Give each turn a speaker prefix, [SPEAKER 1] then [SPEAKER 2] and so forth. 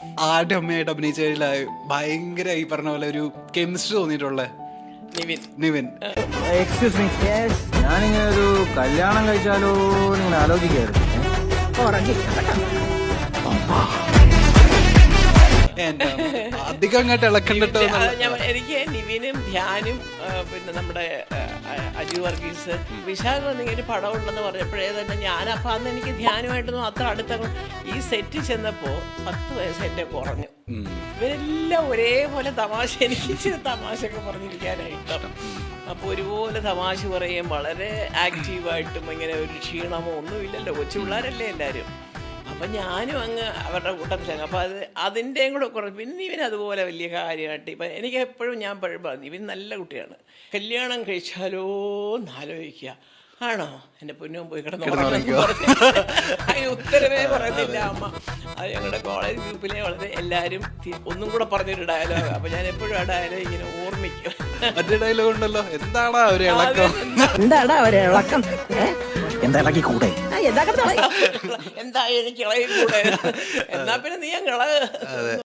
[SPEAKER 1] ആരുടെ അമ്മയായിട്ട് അഭിനയിച്ചതിൽ ഭയങ്കര ഈ പറഞ്ഞ പോലെ ഒരു കെമിസ്ട്രി തോന്നിയിട്ടുള്ള നിവിൻ.
[SPEAKER 2] എക്സ്ക്യൂസ് മീ, ഞാനിങ്ങനെ ഒരു കല്യാണം കഴിച്ചാലോ ഇങ്ങനെ ആലോചിക്കായിരുന്നു.
[SPEAKER 1] അധികം അങ്ങോട്ട് ഇളക്കണ്ടിട്ടോ.
[SPEAKER 3] എനിക്ക് നിവിനും ധ്യാനും പിന്നെ നമ്മുടെ അജു വർഗീസ് വിശാഖ് വന്നിങ്ങനെ പടം ഉണ്ടെന്ന് പറഞ്ഞപ്പോഴേ തന്നെ ഞാനപ്പം അന്ന് എനിക്ക് ധ്യാനുമായിട്ടൊന്നും അത്ര അടുത്ത ഈ സെറ്റ് ചെന്നപ്പോൾ 10 വയസ്സ് എന്നെ കുറഞ്ഞു. ഇവരെല്ലാം ഒരേപോലെ തമാശ, എനിക്ക് തമാശയൊക്കെ പറഞ്ഞിരിക്കാനായിട്ട്. അപ്പോൾ ഒരുപോലെ തമാശ പറയുകയും വളരെ ആക്റ്റീവായിട്ടും ഇങ്ങനെ ഒരു ക്ഷീണമോ ഒന്നുമില്ലല്ലോ, കൊച്ചു പിള്ളേരല്ലേ എല്ലാവരും. അപ്പം ഞാനും അങ്ങ് അവരുടെ കൂട്ടത്തിലാണ്. അപ്പോൾ അതിൻ്റെയും കൂടെ കുറച്ച്. പിന്നെ ഇവൻ അതുപോലെ വലിയ കാര്യമായിട്ട് ഇപ്പം എനിക്ക് എപ്പോഴും ഞാൻ പറഞ്ഞു ഇവൻ നല്ല കുട്ടിയാണ്, കല്യാണം കഴിച്ചാലോ എന്നാലോചിക്കുക. ആണോ എൻ്റെ പൊന്നും പോയി കിടന്നു അതിന് ഉത്തരവേ പറയുന്നില്ല അമ്മ. അത് ഞങ്ങളുടെ കോളേജ് ഗ്രൂപ്പിലെ വളരെ എല്ലാവരും ഒന്നും കൂടെ പറഞ്ഞൊരു ഡയലോഗ്. അപ്പം ഞാൻ എപ്പോഴും ആ ഡയലോഗ് ഇങ്ങനെ ഓർമ്മിക്കും.
[SPEAKER 1] മറ്റേ ഡയലോഗ് ഉണ്ടല്ലോ, എന്താടാ ഒരു ഇളക്കം,
[SPEAKER 4] എന്താടാ ഒരു ഇളക്കം,
[SPEAKER 2] എന്താ ഇളക്കി കൂടെ,
[SPEAKER 3] എന്താ എനിക്ക് ഇളകി കൂടെ, എന്നാ പിന്നെ നീ അങ്ങ് ഇളക.